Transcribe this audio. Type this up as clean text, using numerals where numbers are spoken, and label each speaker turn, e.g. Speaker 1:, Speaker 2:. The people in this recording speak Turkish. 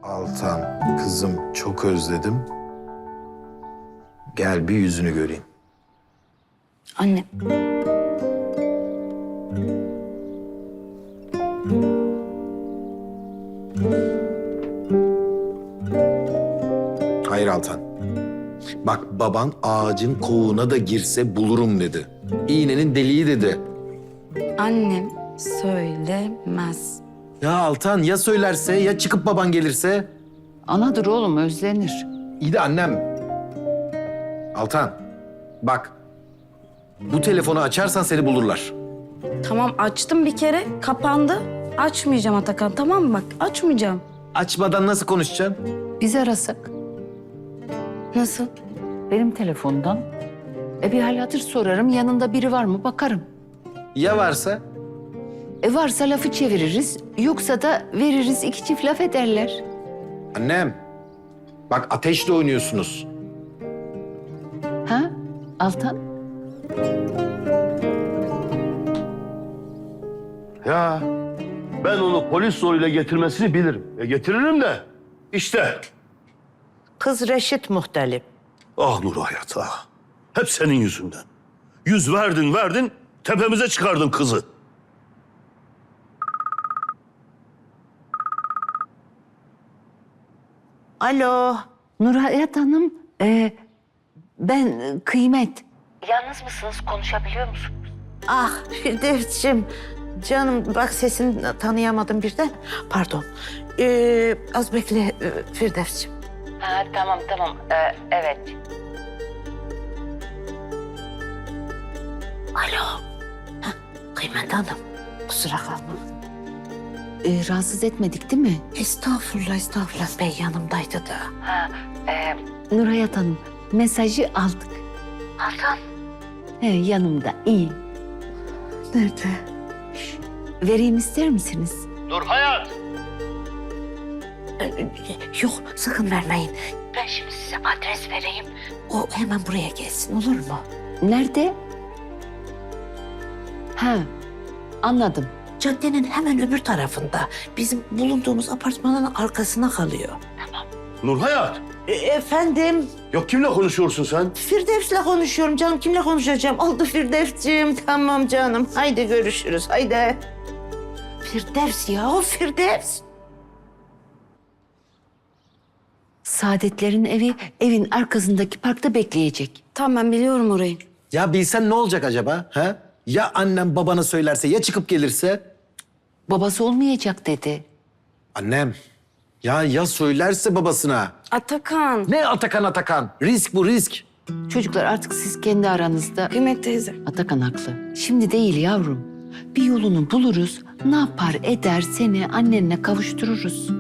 Speaker 1: Altan, kızım çok özledim. Gel bir yüzünü göreyim.
Speaker 2: Anne.
Speaker 1: Hayır Altan. Bak baban ağacın kovuğuna da girse bulurum dedi. İğnenin deliği dedi.
Speaker 2: Annem söylemez.
Speaker 1: Ya Altan ya söylerse ya çıkıp baban gelirse?
Speaker 3: Anadır oğlum, özlenir.
Speaker 1: İyi de annem. Altan bak bu telefonu açarsan seni bulurlar.
Speaker 2: Tamam açtım bir kere kapandı. Açmayacağım Atakan, tamam mı? Bak açmayacağım.
Speaker 1: Açmadan nasıl konuşacaksın?
Speaker 3: Biz arasak
Speaker 2: Nasıl?
Speaker 3: benim telefondan. Bir hal hatır sorarım, yanında biri var mı bakarım.
Speaker 1: Ya varsa?
Speaker 3: Varsa lafı çeviririz, yoksa da veririz, iki çift laf ederler.
Speaker 1: Annem bak ateşle oynuyorsunuz.
Speaker 3: Ha Altan?
Speaker 4: Ya ben onu polis zoruyla getirmesini bilirim. Getiririm de işte.
Speaker 5: Kız Reşit muhtelif.
Speaker 4: Ah Nur Hayat ah. Hep senin yüzünden. Yüz verdin tepemize çıkardın kızı.
Speaker 5: Alo.
Speaker 3: Nurhayat Hanım, ben Kıymet. Yalnız mısınız, konuşabiliyor musunuz?
Speaker 5: Ah Firdevs'cim. Canım bak sesini tanıyamadım birden. Pardon. Az bekle Firdevs'cim.
Speaker 3: Ha tamam, evet.
Speaker 5: Alo. Hah, Kıymet Hanım. Kusura kalma.
Speaker 3: Rahatsız etmedik değil mi?
Speaker 5: Estağfurullah. Bey yanımdaydı da.
Speaker 3: Nurhayat Hanım, mesajı aldık.
Speaker 5: Altan.
Speaker 3: Yanımda, iyi.
Speaker 5: Nerede?
Speaker 3: Vereyim ister misiniz?
Speaker 4: Nur Hayat.
Speaker 5: Yok sakın vermeyin. Ben şimdi size adres vereyim. O hemen buraya gelsin olur mu?
Speaker 3: Nerede? Ha, anladım.
Speaker 5: Caddenin hemen öbür tarafında. Bizim bulunduğumuz apartmanın arkasına kalıyor.
Speaker 4: Nur Hayat.
Speaker 5: Efendim?
Speaker 4: Yok kimle konuşuyorsun sen?
Speaker 5: Firdevs'le konuşuyorum canım. Kimle konuşacağım? Oldu Firdevs'ciğim. Tamam canım. Haydi görüşürüz. Haydi. Firdevs ya o Firdevs.
Speaker 3: Saadetlerin evi, evin arkasındaki parkta bekleyecek.
Speaker 2: Tamam ben biliyorum orayı.
Speaker 1: Ya bilsen ne olacak acaba? Ha? Ya annem babana söylerse ya çıkıp gelirse?
Speaker 3: Babası olmayacak dedi.
Speaker 1: Annem. Ya söylerse babasına?
Speaker 2: Atakan.
Speaker 1: Ne Atakan? Risk bu risk.
Speaker 3: Çocuklar artık siz kendi aranızda...
Speaker 2: Kıymet teyze.
Speaker 3: Atakan haklı. Şimdi değil yavrum. Bir yolunu buluruz, ne yapar eder seni annenle kavuştururuz.